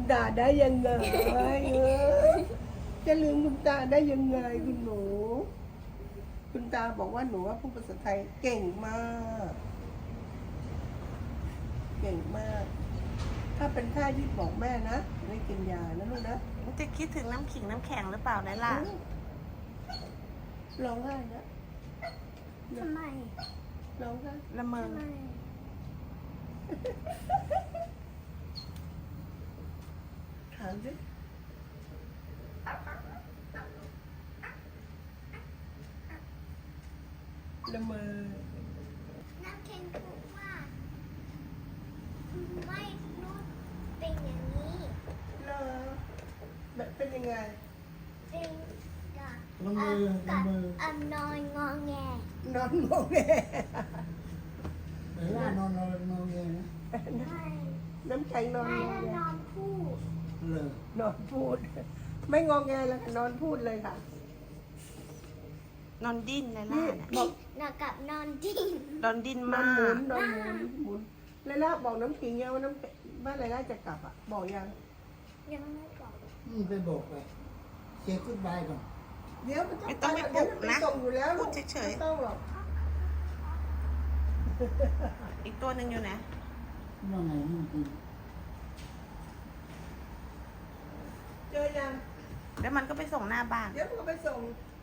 ตาได้ยังไงจะลืมคุณตาได้ยังไงคุณหนู คุณตาบอกว่าหนูว่าพูดภาษาไทยเก่งมาก เก่งมาก ถ้าเป็นท่าที่บอกแม่นะไม่กินยานะลูกนะจะคิดถึงน้ำขิงน้ำแข็งหรือเปล่าไนล่ะร้องไห้นะทำไมร้องไห้ละเมอทำไมถามสิละเมอน้ำแข็งพูดว่าไม่รู้เป็นอย่างนี้เหรอแบบเป็นยังไงเป็นกับละเมอละเมอนอนงอแงนอนงงแงเวลานอนนอนเองนะไม่น้ำแข็งนอนไม่งงแล้วแงนอนพูดเลยนอนพูด ไม่งงแงแล้วค่ะนอนพูดเลยค่ะนอนดิ้นไนล่ะนี่เนี่ยบอกนอนกับนอนดิ้นนอนดิ้นนอมานหมุกนนอนหมุนเลยล่าบอกน้ำขิงยังว่าน้ำบ้านไรล่าจะกลับอ่ะ บอกยังยังไม่บอกไปบอกไปเช็คกุ๊ดบายก่อนเดี๋ยวมันไม่ต้องไปปลุกนะส่งอยู่แล้วพูดเฉยๆไม่ต้องหรอกอีกตัวหนึ่งอยู่ไหนว่าไงนี่จริงเจอยังแล้วมันก็ไปส่งหน้าบ้านเดี๋ยวมันก็ไปส่ง